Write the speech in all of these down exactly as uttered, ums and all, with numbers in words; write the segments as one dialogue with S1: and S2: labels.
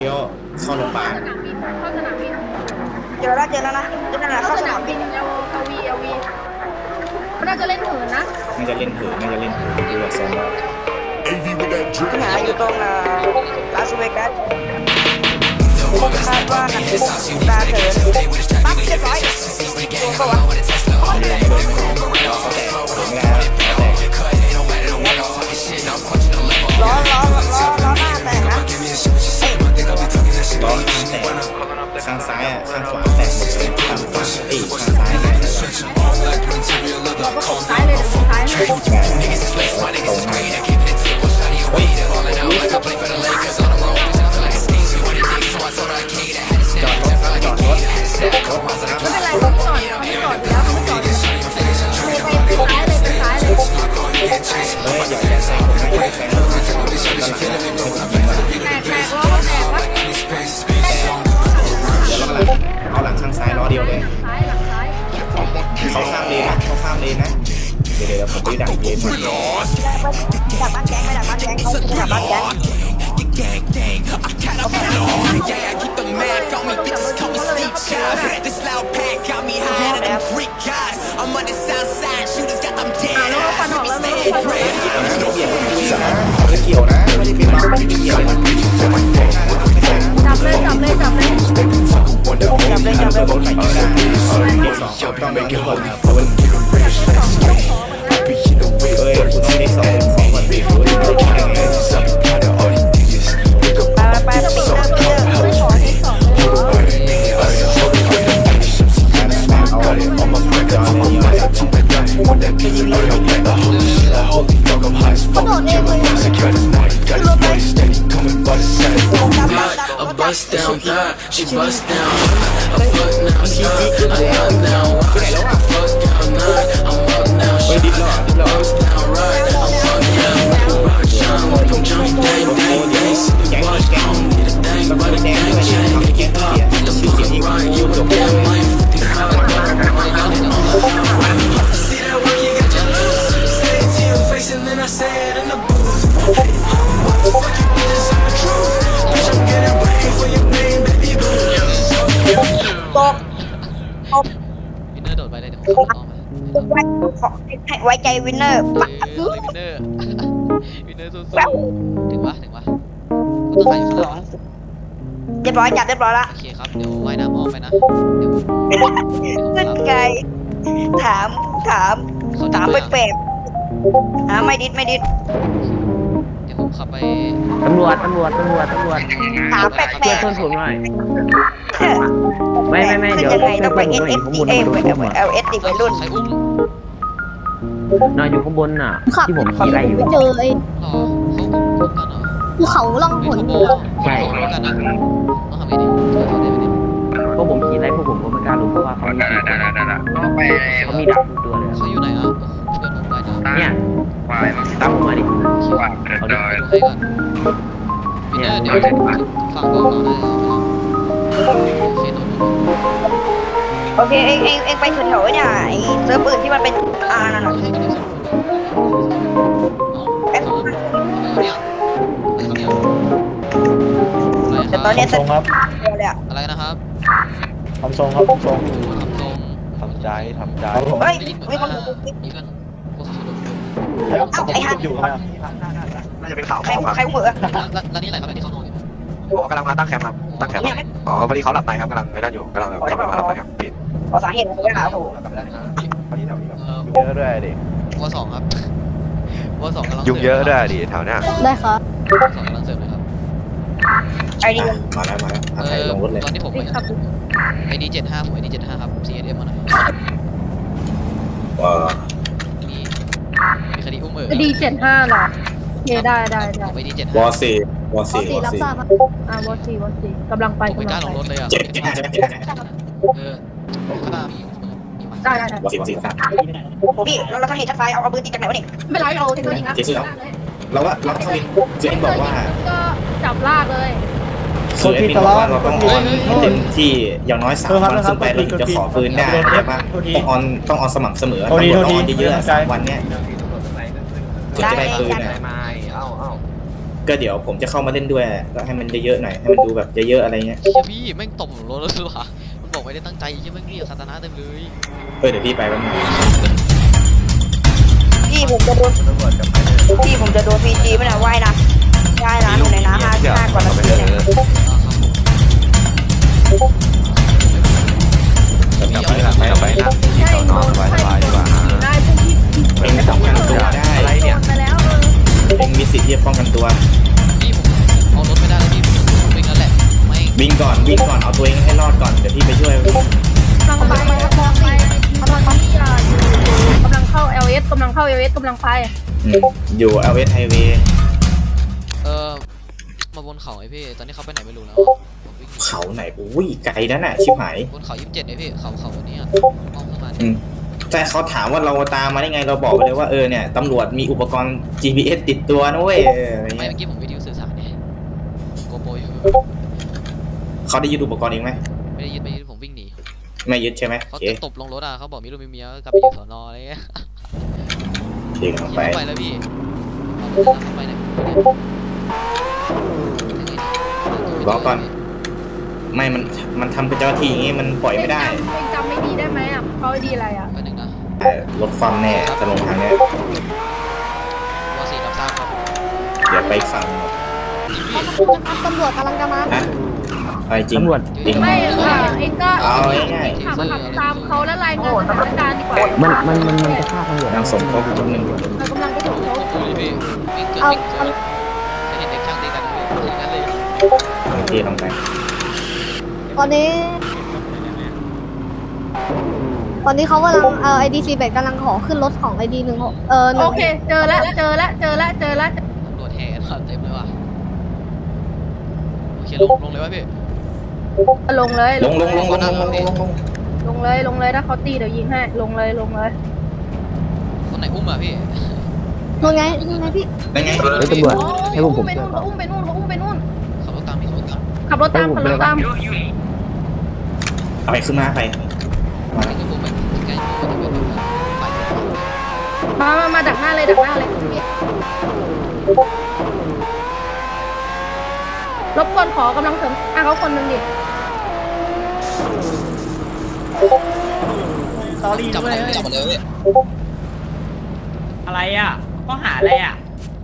S1: เลี้ยวเข้าโรงพยาบาล
S2: สนามบินเข้าสนามบิน
S3: เจอแล้วเจอแล้วนะเจอแล้วนะเข้าสนามบิน
S2: เอลเอลวีเอลวีมันน่าจะเล่นเหินนะ
S1: น่าจะเล่นเถือน่าจะเล่นเถือดูจากทรงแล้ว
S3: ปัญหาอยู่ตรงอ่าลาสเวกัสคาดว่านักบุกตาเถินปั๊บเรียบร้อยตัวเขาวะ
S1: ล้อแตก
S3: ล้อล้อล้อล้อหน้าแตกนะ
S1: ล้อข้างแตกข้างซ้ายอ่ะข้างขวาแตกหมดเลยข้างขวาเอ้ยข้างซ้ายแตกเลย
S2: เราก็ส่งท้ายเลยเดี๋ยวส่งท้ายเลย
S1: ตรงมาเฮ้ยจอดรถจอดรถจอดรถ
S2: ไม่เป็นไรเขาจอดเขาไม่จอดแล้วเขาไม่จอดเลยไปไปไปซ้ายเลยไปซ้ายเลย
S1: เฮ้ยอย่าอย่าแซงผมนะอย่าแซงผมนะตอนหลังไม่ถึงยิงว่ะ
S2: แตกแตกล้อแตกวะ
S1: เดี๋ยวล้อหลังเอาหลังข้างซ้ายล้อเดียวเลย
S2: ซ้ายหลังซ้าย
S1: เขาข้ามเลนนะเขาข้ามเลนนะเดี๋ยวเดี๋ยวผมไปดักเลนมา
S3: ดักบ้านแก๊งไม่ดักบ้านแก๊งเขาดักบ้านแก๊ง
S4: This loud pack got me high to them Greek guys. I'm on the south side, shooters got them
S2: อ่า
S4: dead.
S2: แล้วก็ฟันออกแล้วแล้วก็ฟันออกแล้ว
S1: ไม่เกี่ยวนะไม่ได้เป็นเราไม่ได้เกี่ยวนะ
S2: จับเลยจับเลยจับเลย
S3: จับเลยจับเลย
S1: รถไหนก็ได้เก็บสองต้องเป็นทุกคนครับเฮ้ยคุณต้องเด็กสองของวันปีคุณต้องแข่งเลย
S3: ไปไปไปปิดหน้าเพื่อนไม่ขอที่สองเขาโดดเองเลย
S4: A bust down thigh, she bust down. A fuck now, stop. I love now. I fuck down nine. I'm up now. She bust down right. I'm fuck now. Rock shine, come jump, bang, bang, bang. See watch, don't need a thing, but a gang chain. Hip hop, the fuck right. You a damn life. fifty-five, see that work, you got your loose. Say it to your face and then I say it in the booth. Fuck you bitches, I'm the truth. Bitch, I'm getting brain for your name, baby boo.
S3: ตกตก
S5: วินเนอร์โดดไปเลยเดี๋ยวผมเข้ามา
S3: ขอให้ไว้ใจวินเนอร์
S5: เอ
S3: ปัก
S5: อวินเนอร์วินเนอร์สู้ๆถึงวะถึงวะก็ต้องขายอยู่ข้างหลัง
S3: เรียบร้อยจับเรียบร้อยละ
S5: โอเคครับเดี๋ยวว่ายน้ำออกไปนะเดี๋ยวเดี๋ยวผม
S3: ขึ้น
S5: รับ
S3: ไกลถามถามถามแปลกๆหาไม่ดิดไม่ดิด
S5: เดี๋ยวผมขับไป
S6: ตำรวจ ตำรวจ ตำรวจ ตำรวจ
S3: ถามแปล
S6: ช่วย
S3: ก
S6: เพื่อนผมหน่อย
S3: ๆ
S6: ไม่ไม่ไม่เดี๋ยว
S3: ยังไงต้องไป
S6: เพื่
S3: เอ
S6: อน
S3: ส
S6: ผม
S3: เอฟ
S6: อยู่
S3: เอ
S6: ข้างบน
S3: ไป
S6: ผมโดนอุ้ม
S3: เอลเอสดิวัยรุ่น
S5: ใครอุ้ม
S6: นอนอยู่ข้างบนน่ะ
S7: ขับ
S6: ที่ผม
S7: ขับ
S6: ขี่ไล่อยู่
S7: ไปเจอไอ้
S5: หรอเขาอุ้มกันเหรอ
S7: ภูเขาล่องห
S5: ไม่
S7: น
S5: ขโมย
S6: ใช่
S5: ขโมยกันนะต้องทำไงดีช่วยเขาได้ไหมเนี่ย
S6: เพราะผมขี่ไล่พวกผมก็ไม่กล้าลงเพราะว่าเขามีสี่คนเขามีดักทุกตัวเลย
S5: เขาอยู่ไหนอ่ะเพื่อนผมไปนะ
S6: เนี่ยตามผมมาดิ
S5: เอาดิไปดูให้ก่อนวินเนอร์เดี๋ยวฝั่งบอกเราได้โอเคโดน
S3: โอเคเองเองเองไปแถวๆเนี่ยไอ้เซิร์ฟอื่นที่มันเป็นอ่านั่นน่ะ
S5: เอ๊ะเนี่ยอะไร
S3: แต่
S5: ค
S3: ต
S5: รั
S3: อน
S5: บ
S3: เนี้ยเซิร์ฟเดียวเลยอะ
S5: อะไรนะครับ
S8: ทำทรงครับทำทรง
S5: ทำทรง
S8: ทำใจทำใจ
S3: เฮ้ย
S5: ได้ยินเหมือน
S3: มีคน
S5: ว่ามีกันโฆษณา
S8: แล้วไอ้ฮันอยู่นะ
S9: น่าจะเป็นข่าว
S3: ใคร
S9: ของครับ
S3: ใครเหมือ
S5: แล้วแล้วนี่อะไรครับที่เขานอนอยู่
S9: อ๋อกำลังมาตั้งแคมป์ครับ ตั้งแคมป์ครับอ๋อพอดีเขาหลับในครับกำลังไม่นั่นอยู่กำลังแบบกำลังมาหลับในครับปิด
S3: ขอสาเหตุอะไรนะโอ้โห
S5: เอ่อ
S8: เยอะด้วยดิ
S5: วัวสองครับวัวสองกำลัง
S9: ยุงเยอะด้วยดิแถวเนี้ย
S7: ได้ครับ
S5: วัวสองกำลังเสิร์ฟเลยครับ
S3: ไอเดีย
S1: มาแล้วมาแล้ว
S5: เอ
S1: ใคร
S5: อ
S1: ลงรถเลย
S5: ตอนที่ผมไปไอดีเจ็ดห้าผมไอดีเจ็ดห้าครับ ซี เอส เอ็ม มาหน่อย
S1: ว้า
S5: มีมีคดีอุ้มเอ๋อ
S7: ดีเจ็ดห้าเหรอโอเคได้ได้ได้
S5: ผมไอดีเจ็ด
S1: ว
S5: ห้า
S1: อสี่วอ
S7: วอ
S1: สี่
S7: สี่
S1: วอ
S7: รับ
S1: สี่
S7: ทราบครับอ่าวอสี่วอสี่กำลังไป
S5: ผมไม่
S7: กำ
S5: ก
S7: ลั
S5: ล้าง ล
S7: ไป
S5: งรถเลยอ่ะ
S1: เจ็ดเจ็ดห้าใช่ไหมเจ็ดห้า
S5: เออข้างหน้ามีมีมัน
S7: ได้ได้ได้
S1: วอสี่วอสี่ครับ
S3: พี่เราเราต้องเห็นชัดไฟเอาเอาปืนตีจากไหนวะนี่
S7: ไม่เป็นไรเราเทคโนโลยีนะ
S1: เจ๊ซื้อแล้วเราว่าเราต้องเจ๊บอกว่า
S7: ก็จับลากเลย
S1: คือเอ็ดมินบอกว่าเราต้องออนให้เต็มที่อย่างน้อยสามวันขึ้นไปเราถึงจะขอปืนได้ใช่ปะต้องออนต้องออนสม่ำเสมอตำรวจต้องออนเยอะๆสามวันเนี้ยถึงจะได้ปืนอ่ะ
S9: ไม่เอ้าเอ้า
S1: ก็เดี๋ยวผมจะเข้ามาเล่นด้วยก็ให้มันเยอะๆหน่อยให้มันดูแบบเยอะๆอะไรเงี้ย
S5: เฮียพี่แม่งตบผมรถแล้วหรือเปล่ามันบอกไม่ได้ตั้งใจเฮียแม่งเรียกคาตานะเต็มเลย
S1: เออเดี๋ยวพี่ไปแป๊บนึง
S3: พี่ผมจะโดนพี่ผมจะโดนพีจีไม่ได้ว่ายนะว่ายน้ำอยู่ในน้ำห้าห้ากว่านาทีเนี่ย
S5: พี่เอา
S6: ไปหลังไปไปนะที่สอนอสบายสบายดีกว่า
S7: ได้พวกที่ที่
S1: เองป้องกันตัวได้
S6: อะไรเนี่ย
S7: ไปแล้วเออ
S1: เองมีสิทธิ์ที่จะป้องกันตัว
S5: พี่ผมเอารถไม่ได้แล้วพี่ผมเป็นงั้นแหละไม่
S1: วิ่งก่อนวิ่งก่อนเอาตัวเองให้รอดก่อนเดี๋ยวพี่ไปช่วย
S7: กำลังไปกำลังไปกำลังไปกำลังกำลังเข้า แอล เอส กำลังเข้า แอล เอส กำลังไป
S1: อืมอยู่ แอล เอส Highway
S5: เออมาบนเขาไอพี่ตอนนี้เขาไปไหนไม่รู้แล้วผมวิ่ง
S1: เขาไหนอุ้ยไกลนั่นน่ะชิบหาย
S5: บนเขายี่สิบเจ็ดไอพี่เขาเขาวันนี้อ่ะมองขึ้นมา
S1: อืมแต่เขาถามว่าเราตามมาได้ไงเราบอกไปเลยว่าเออเนี่ยตำรวจมีอุปกรณ์ จี พี เอส ติดตัวนะเว้ยเอออะไร
S5: ไม่
S1: เงี้ย
S5: เมื่อกี้ผมวิดีโอสื่อสารเนี่ยโกโปรอยู่
S1: เขาได้ยึดอุปกรณ์เองไหม
S5: ไม่ได้ยึดไม่ยึดผมวิ่งหนี
S1: ไม่ยึดใช่ไหมโอ
S5: เขา
S1: เค
S5: จะตบลงรถอ่ะเขาบอกมีลูกมีเมียกลับไปอยู่สอนออะไรเงี้ย
S1: เดี๋ยว
S5: อย่า
S1: ไป
S5: ไปแล้วพี่เอาไปไหน
S1: รอก่อนไม่มันมันทำกับเจ้าหน้าที่อย่างงี้มันปล่อยไม่ได้
S7: เองจำไม่ดีได้ไหมอ่ะเขาดีอะไรอ่ะ
S5: ไปหนึ่งนะ
S1: เออลดความแน่จะลงทางเนี้ยว
S5: อสี่รับทราบครับ
S1: เดี๋ยวไปอีกฝั่ง
S2: ตำรวจกำลังจะมา
S1: นะอะไรจริง
S6: ตำรวจ
S1: จริง
S7: ไม่ค่ะเองก็
S1: เอาง่าย
S7: ขับขับตามเขาแล้วรายงานสถานการณ์ดีกว่า
S6: มันมันมันมันจะฆ่าตำรวจ
S1: ๆนางสมทบคนหนึ่ง
S7: เรากำลังไปถึงเขา
S5: ดูดิพี่วิ่งเกินวิ่งเกินจะเห็นเด็กช่างตีกันเลยอย่างนั้นเลย
S1: โอเคลงไป
S2: ตอนนี้ ตอนนี้เขากำลังเอ่อไอดีซีแบกกำลังขอขึ้นรถของไอดีหนึ่งเออหนึ่
S7: โอง เคเจอแล้วเจอแล้วเจอแล้วเจอแล้ว
S5: ตำรวจแห่กันเต็มเลยว่ะโอเคลงลงเลยวะพี่
S7: ลงเลย
S1: ลงลงลงลงลงลงลงลง
S7: ลงเลยลงเลยถ้าเขาตีเดี๋ยวยิงให้ลงเลยลงเลย
S5: คนไหนอุ้มอ่ะพี่
S2: นู่นไงนู่นไงพี่
S1: ได้ไง
S6: เฮ้ยตำรวจให้พวกผม
S7: ไปนู่นเขาอุ้มไปนู่นเขาอุ้มไปนู่น
S5: ขับรถตามพี่ขับรถตาม
S7: ขับรถตามขับรถตาม
S1: เอาไปขึ้นมาไปมา
S5: ไอ้ตัวผมไปใกล้ตัวจะเป็นแบบฝ่าย
S7: มามามาดักหน้าเลยดักหน้าเลยรบกวนขอกำลังเสริมอ่ะเขาคนหนึ่งดิ
S5: จับจับเลยจับเลย
S3: อะไรอ่ะข้อหาอะไรอ่ะ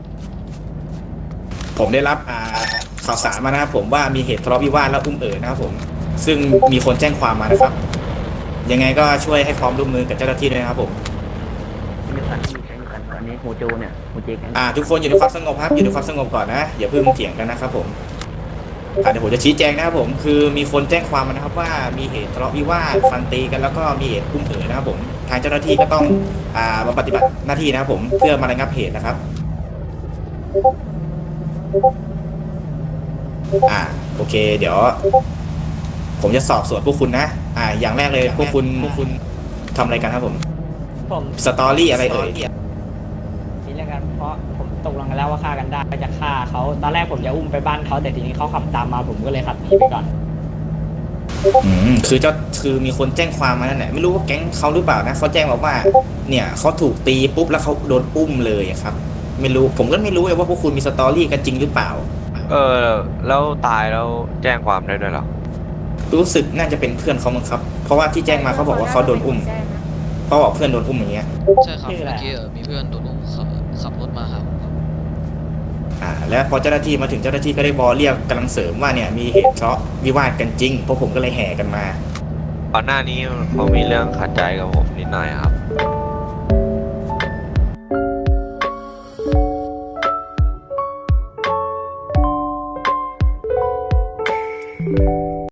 S1: ผมได้รับอ่าข่าวสารมานะครับผมว่ามีเหตุทะเลาะวิวาทแล้วอุ้มเอ๋อนะครับผมซึ่งมีคนแจ้งความมานะครับ ยังไงก็ช่วยให้ความร่วมมือกับเจ้าหน้าที่ด้วยนะครับผม
S6: มีกันมีแก๊งกันตอนนี้โมโจเนี่ยโมเจแก๊ง
S1: อ่าทุกคนอยู่ในความสงบครับอยู่ในความสงบก่อนนะอย่าเพิ่งเถียงกันนะครับผมอ่าเดี๋ยวผมจะชี้แจงนะครับผมคือมีคนแจ้งความมานะครับว่ามีเหตุทะเลาะวิวาทฟันตีกันแล้วก็มีเหตุอุ้มเอ๋อนะครับผมทางเจ้าหน้าที่ก็ต้องอ่ามาปฏิบัติหน้าที่นะครับผมเพื่อมาระงับเหตุนะครับอ่าโอเค เดี๋ยว ผมจะสอบสวนพวกคุณนะอ่าอย่างแรกเลยพวกคุณพวกคุณทำอะไรกันครับผม
S3: ผม
S1: สตอรี่อะไรเอ่ย
S3: นี่แล้วกันเพราะผมตกลงกันแล้วว่าฆ่ากันได้ก็จะฆ่าเขาตอนแรกผมจะอุ้มไปบ้านเขาแต่ทีนี้เขาขับตามมาผมก็เลยขับหนีไปก่อน
S1: อืมคือเจ้าคือมีคนแจ้งความมานั่นแหละไม่รู้ว่าแก๊งเขาหรือเปล่านะเขาแจ้งมาว่า เนี่ยเขาถูกตีปุ๊บแล้วเขาโดนอุ้มเลยอะครับ ไม่รู้ผมก็ไม่รู้เลยว่าพวกคุณมีสตอรี่กันจริงหรือเปล่า
S10: เออแล้วตายแล้วแจ้งความได้ด้วยเหรอ
S1: รู้สึกน่าจะเป็นเพื่อนเขามั้งครับ เพราะว่าที่แจ้งมาเขาบอกว่าเขาโดนอุ้มเขาบอกเพื่อนโดนอุ้มอย่างเงี้ย
S5: ใช่ครับเมื่อกี้มีเพื่อนโดนอุ้มขับขับรถมาครับ
S1: อ่า แล้วพอเจ้าหน้าที่มาถึงเจ้าหน้าที่ก็ได้บอเรียกกำลังเสริมว่าเนี่ยมีเหตุทะเลาะวิวาทกันจริงพวกผมก็เลยแห่กันมา
S10: ก่อนหน้านี้เขามีเรื่องขัดใจกับผมนิดหน่อยครับ